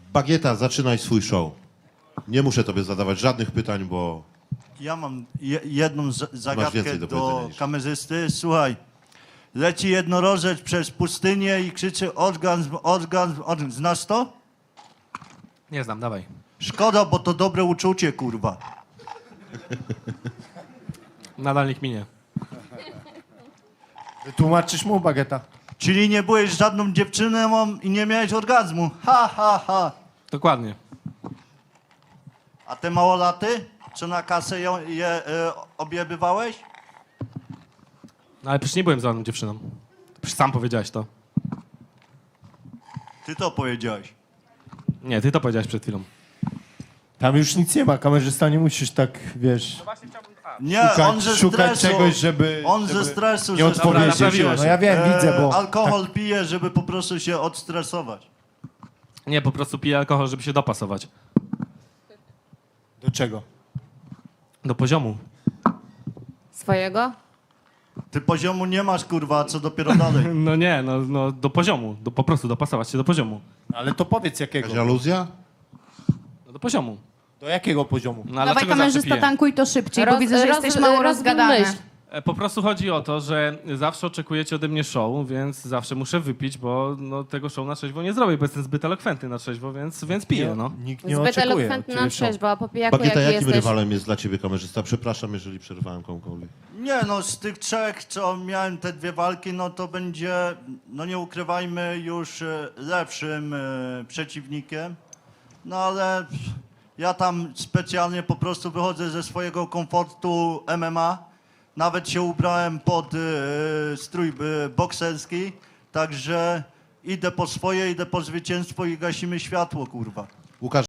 Bagieta, zaczynaj swój show. Nie muszę tobie zadawać żadnych pytań, bo Ja mam jedną zagadkę więcej do powiedzenia do niż- kamerzysty. Słuchaj, leci jednorożec przez pustynię i krzyczy orgazm, orgazm, orgazm. Znasz to? Nie znam, dawaj. Szkoda, bo to dobre uczucie, kurwa. Nadal nikt minie. Wytłumaczysz mu, Bagieta? Czyli nie byłeś żadną dziewczyną i nie miałeś orgazmu. Ha, ha, ha. Dokładnie. A te małolaty? Co na kasę objebywałeś? No ale przecież nie byłem żadną dziewczyną. Przecież sam powiedziałeś to. Ty to powiedziałeś. Nie, ty to powiedziałeś przed chwilą. Tam już nic nie ma, kamerzysta, nie musisz tak, wiesz, Nie, on ze szukać stresu. czegoś, żeby... On żeby ze stresu, nie że odpowiedzieć. naprawiłeś. No ja wiem, widzę, bo... alkohol pije, żeby po prostu się odstresować. Nie, po prostu piję alkohol, żeby się dopasować. Do czego? Do poziomu. Swojego? Ty poziomu nie masz, kurwa, a co dopiero dalej. No nie, no do poziomu. Po prostu dopasować się do poziomu. Ale to powiedz jakiego. jakaś aluzja? No do poziomu. Do jakiego poziomu? No, a Dawaj dlaczego zawsze kamerzysta, piję? tankuj to szybciej, bo widzę, że jesteś mało rozgadany. Po prostu chodzi o to, że zawsze oczekujecie ode mnie show, więc zawsze muszę wypić, bo no, tego show na trzeźwo nie zrobię, bo jestem zbyt elokwentny na trzeźwo, więc piję, no. Nikt nie Zbyt oczekuje od elokwentny ciebie na show. trzeźwo, a po pijaku Bagieta, jaki jakim jesteś? rywalem jest dla ciebie kamerzysta? Przepraszam, jeżeli przerwałem komukolwiek. Nie, no z tych trzech, co miałem te dwie walki, no to będzie, no nie ukrywajmy, już lepszym przeciwnikiem. No ale ja tam specjalnie po prostu wychodzę ze swojego komfortu MMA. Nawet się ubrałem pod strój bokserski, także idę po swoje, idę po zwycięstwo i gasimy światło, kurwa. Łukasz,